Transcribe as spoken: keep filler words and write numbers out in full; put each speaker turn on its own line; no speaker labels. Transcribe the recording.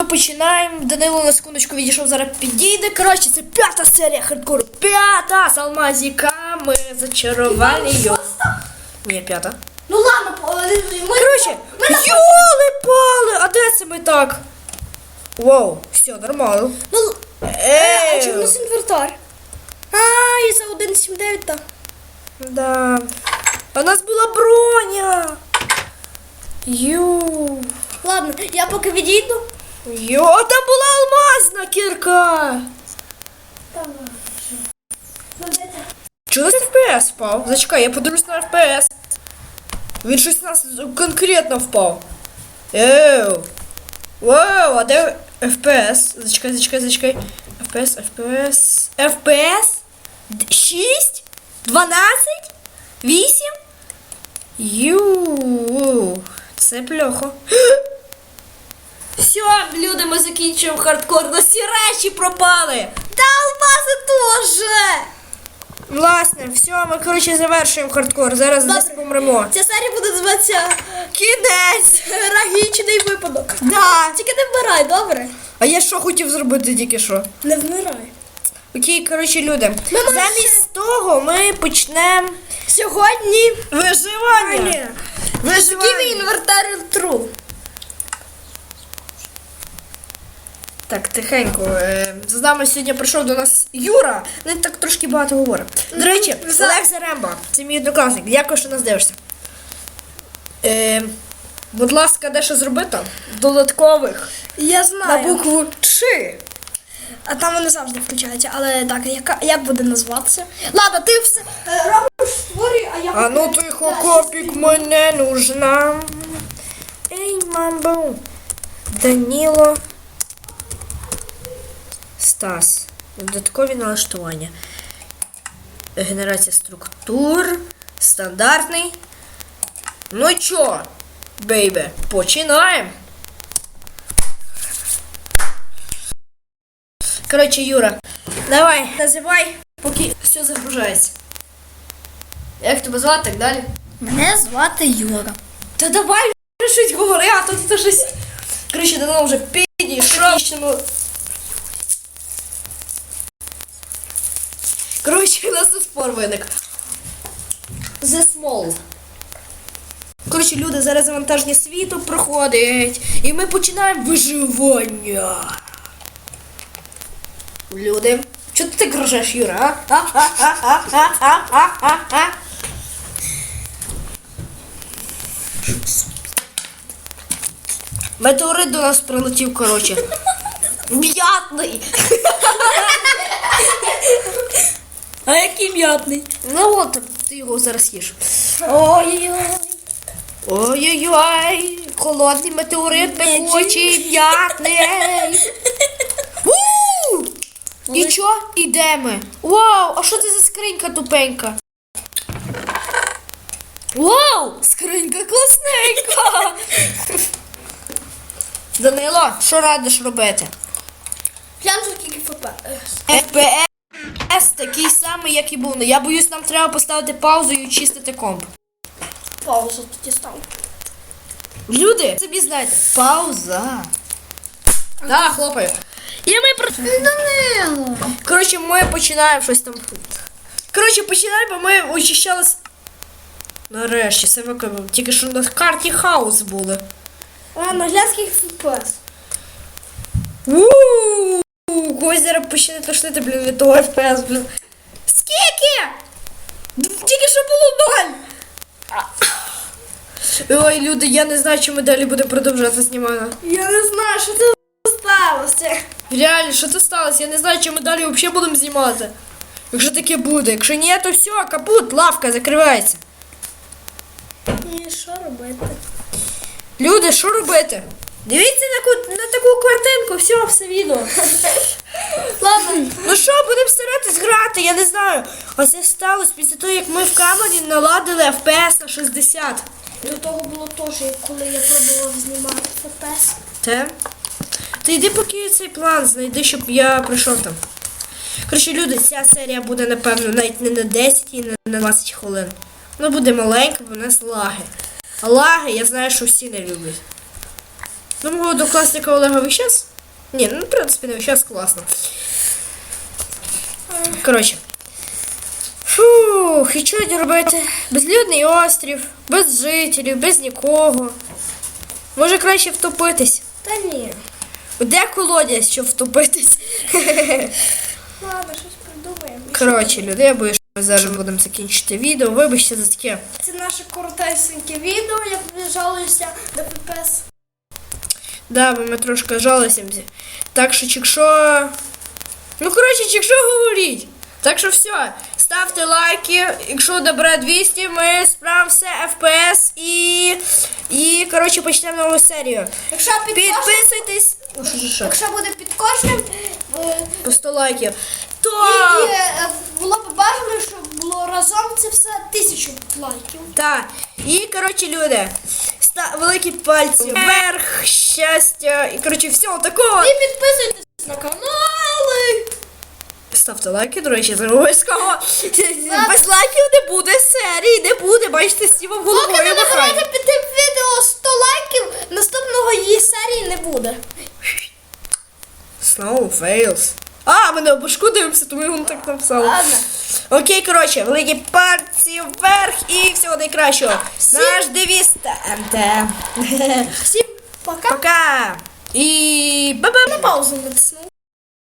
Починаємо. Данило на секундочку відійшов, зараз підійде. Коротше, це п'ята серія хардкору. П'ята з алмазиками зачарованою. Ні, п'ята.
Ну ладно, ми...
Коротше, йоли-пали, а де це ми так? Вау, все, нормально.
Ну,
Ей.
а чому у нас інвентар? А, і за один сім дев'ять, так.
Да. А у нас була броня. Ю.
Ладно, я поки відійду.
Йо, там була алмазна кірка. Чого на еф пі ес впав? Зачекай, я подивлюсь на еф пі ес. Він щось у нас конкретно впав. Еу. Вау, а де еф пі ес? Зачекай, зачекай, зачекай. еф пі ес, еф пі ес. еф пі ес? шість? дванадцять? вісім? Ю. Це плохо. Все, люди, ми закінчуємо хардкор. На всі речі пропали.
Та алмази теж.
Власне, все, ми, коротше, завершуємо хардкор. Зараз десь помремо.
Ця серія буде називатися
Кінець.
Трагічний випадок.
Да.
Тільки не вмирай, добре?
А я що хотів зробити тільки що?
Не вмирай.
Окей, коротше, люди.
Ми можемо
Замість того ми почнемо
Сьогодні
виживання.
Виживання. інвентар тру.
Так, тихенько. Е, з нами сьогодні прийшов до нас Юра. Він так трошки багато говорить. До речі,
За-
Олег Заремба. Це мій однокласник. Дякую, що нас дивишся. Е, будь ласка, де що зробити? Додаткових.
Я
На
знаю.
букву Ч.
А там вони завжди включаються. Але так, яка, як буде назватися? Ладно, ти все е, робиш, створюй, а я...
А ну тихо, копік, мене нужна. Ей, мамбу. Даніло. Стас. Додаткові налаштування. Генерація структур. Стандартний. Ну чо, бейбе, починаємо. Коротше, Юра, давай, називай, поки все загружається. Як тебе звати, так далі?
Мене звати Юра.
Та давай вже щось говори, а то ти щось... Коротше, давно вже підійшов. Коротше, у нас тут спор виник. The Small. Коротше, люди, зараз завантаження світу проходить. І ми починаємо виживання. Люди. Чого ти так рожеш, Юра, а? А-а-а-а-а-а-а-а-а. Метеорит до нас прилетів, коротше. М'ятний.
А який м'ятний?
Ну от, ти його зараз їш.
Ой-ой-ой.
Ой-ой-ой, холодний метеорит, пекучий, м'ятний. У! І чо? Ідемо. Вау, а що це за скринька тупенька? Вау, скринька класненька. Данило, що радиш робити?
Глянь, скільки ФП.
еф пі ес такий самий, як і був. Ну, я боюсь, нам треба поставити паузу і очистити комп.
Паузу тоді став.
Люди, собі знаєте, пауза. Так, хлопаю. І ми про...
Данило.
Коротше, ми починаємо щось там. Коротше, починаємо, бо ми очищалися. Нарешті, це виконав. Тільки що на карті хаос були.
Ладно, глянь, скільки ФП.
Ууу, когось зараз почне тошнити, блін, від того еф пі ес, блін. Скільки? Тільки що було ноль. Ой, люди, я не знаю, чи ми далі будемо продовжувати знімати.
Я не знаю, що це сталося.
Реально, що це сталося? Я не знаю, чи ми далі взагалі будемо знімати. Якщо таке буде. Якщо ні, то все, капут, лавка закривається.
І що робити?
Люди, що робити? Дивіться на, ку- на таку картинку, все, все відео. Ладно, ну що, будемо старатись грати, я не знаю. А це сталося після того, як ми в камері наладили еф пі ес на шістдесят.
До того було теж, як коли я пробував знімати ФПС.
Те? Ти йди поки цей план знайди, щоб я прийшов там. Коротше, люди, ця серія буде, напевно, навіть не на десять і не на двадцять хвилин. Вона буде маленька, бо у нас лаги. А лаги, я знаю, що всі не люблять. Ну, мого однокласника Олега ви щас Ні, ну в принципі не зараз класно. Коротше. Фух, і що робити? Безлюдний острів, без жителів, без нікого. Може краще втопитись?
Та ні.
Де колодязь, щоб втопитись?
Ладно, щось придумаємо.
Коротше, люди, я боюсь, що ми зараз будемо закінчити відео. Вибачте за таке.
Це наше коротесеньке відео, я тобі жалуюся на еф пі ес.
Да, бо ми трошки жалуємося. Так що, якщо... Ну, коротше, якщо говоріть. Так що все, ставте лайки, якщо добре двісті, ми справимося еф пі ес і, і коротше, почнемо нову серію.
Якщо під кожним,
Підписуйтесь, ну, що, що, що?
якщо буде під кожним, е,
По сто лайків, то...
і, е, було б бажано, щоб було разом це все тисячу лайків.
Так, і, коротше, люди, ста... великі пальці вверх, щастя, і, коротше, всього такого.
І підписуйтесь на канали.
Ставте лайки, до речі, це обов'язково. Без лайків не буде серії, не буде, бачите, Сіва в
Поки
головою
не набирайте
махає.
під тим відео сто лайків, наступного її серії не буде.
Snow fails. А, ми на башку дивимося, тому його так написали.
Ладно.
Окей, коротше, великі пальці вверх і всього найкращого. Наш девіз ТНТ.
Всім пока.
Пока. І ба-ба.
На паузу натиснув.